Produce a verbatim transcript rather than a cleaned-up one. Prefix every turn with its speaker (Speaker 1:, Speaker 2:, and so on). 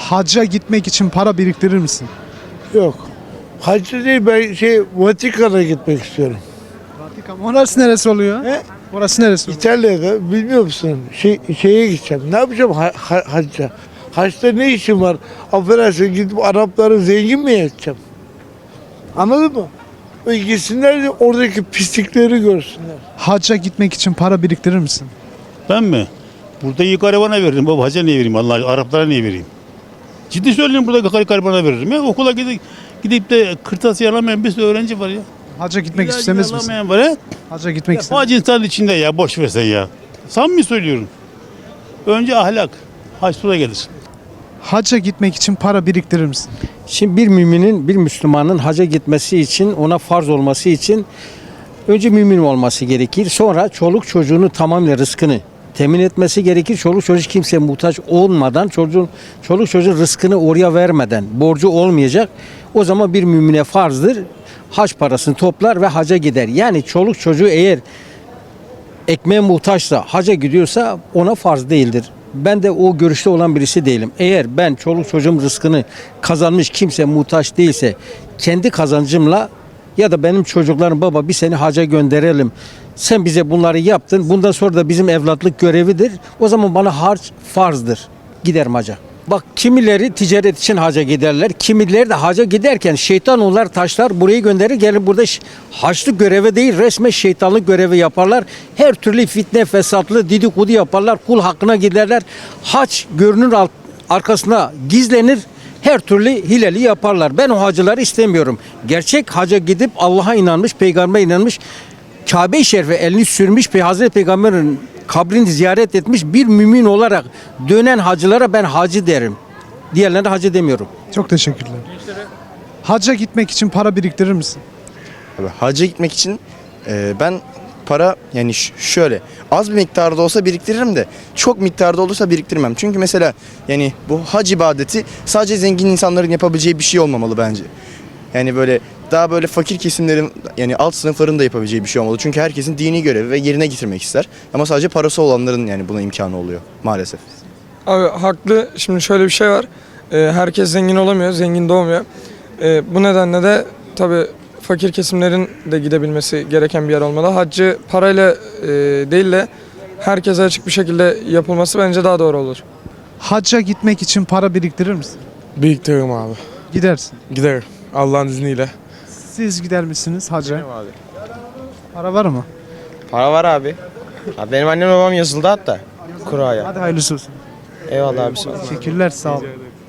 Speaker 1: Hacca gitmek için para biriktirir misin?
Speaker 2: Yok. Hacı değil, ben şey Vatikan'a gitmek istiyorum.
Speaker 1: Vatikan. Orası neresi oluyor?
Speaker 2: He?
Speaker 1: Orası neresi oluyor?
Speaker 2: İtalya'da bilmiyor musun? Şey, şeye gideceğim. Ne yapacağım ha, ha, hacca? Haçta ne işim var? Affedersin, gidip Arapları zengin mi edeceğim? Anladın mı? Ve gitsinler de oradaki pislikleri görsünler.
Speaker 1: Hacca gitmek için para biriktirir misin?
Speaker 3: Ben mi? Burada iyi garibana veririm baba. Hacca niye vereyim? Allah Araplara niye vereyim? Ciddi söylüyorum, burada gari garibana veririm ya. Okula gidip, gidip de kırtasiye alamayan bir sürü öğrenci var ya.
Speaker 1: Hacca gitmek
Speaker 3: İlacını
Speaker 1: istemez misin?
Speaker 3: alamayan var ya.
Speaker 1: Hacca gitmek
Speaker 3: Ya
Speaker 1: istemez.
Speaker 3: Hacı insan içinde ya, boş versen ya. Samimi söylüyorum. Önce ahlak. Hac sonra gelir.
Speaker 1: Hacca gitmek için para biriktirir misin?
Speaker 4: Şimdi bir müminin, bir Müslümanın hacca gitmesi için, ona farz olması için önce mümin olması gerekir. Sonra çoluk çocuğunu tamamıyla rızkını temin etmesi gerekir. Çoluk çocuk kimseye muhtaç olmadan, çocuğun, çoluk çocuğun rızkını oraya vermeden, borcu olmayacak. O zaman bir mümine farzdır. Hac parasını toplar ve hacca gider. Yani çoluk çocuğu eğer ekmeğe muhtaçsa, hacca gidiyorsa ona farz değildir. Ben de o görüşte olan birisi değilim. Eğer ben çoluk çocuğum rızkını kazanmış, kimse muhtaç değilse, kendi kazancımla ya da benim çocuklarım, baba bir seni hacca gönderelim, sen bize bunları yaptın, bundan sonra da bizim evlatlık görevidir, o zaman bana harç farzdır, giderim hacca. Bak, kimileri ticaret için hacca giderler, kimileri de hacca giderken şeytan onlar taşlar burayı gönderir, gelin burada haçlık görevi değil, resmen şeytanlık görevi yaparlar. Her türlü fitne, fesatlı, dedikodu yaparlar, kul hakkına giderler. Haç görünür alt, arkasına gizlenir, her türlü hileli yaparlar. Ben o hacıları istemiyorum. Gerçek hacca gidip Allah'a inanmış, peygambere inanmış, Kabe-i Şerif'e elini sürmüş, Hazreti Peygamber'in kabrini ziyaret etmiş bir mümin olarak dönen hacılara ben hacı derim. Diğerlerine hacı demiyorum.
Speaker 1: Çok teşekkürler. Hacca gitmek için para biriktirir misin?
Speaker 5: Abi, hacca gitmek için e, ben para yani ş- şöyle az bir miktarda olsa biriktiririm de çok miktarda olursa biriktirmem. Çünkü mesela yani bu hac ibadeti sadece zengin insanların yapabileceği bir şey olmamalı bence. Yani böyle daha böyle fakir kesimlerin yani alt sınıfların da yapabileceği bir şey olmalı. Çünkü herkesin dini görevi ve yerine getirmek ister. Ama sadece parası olanların yani buna imkanı oluyor maalesef.
Speaker 6: Abi haklı. Şimdi şöyle bir şey var. Ee, herkes zengin olamıyor, zengin doğmuyor. Ee, bu nedenle de tabii fakir kesimlerin de gidebilmesi gereken bir yer olmalı. Haccı parayla e, değil de herkese açık bir şekilde yapılması bence daha doğru olur.
Speaker 1: Hacca gitmek için para biriktirir misin?
Speaker 7: Biriktiririm abi.
Speaker 1: Gidersin.
Speaker 7: Giderim. Allah'ın izniyle.
Speaker 1: Siz gider misiniz hacca?
Speaker 8: Abi.
Speaker 1: Para var mı?
Speaker 8: Para var abi. Abi benim annem babam yazıldı hatta. Kuraya.
Speaker 1: Hadi hayırlısı olsun.
Speaker 8: Eyvallah abi sağ ol.
Speaker 1: Teşekkürler, sağ olun.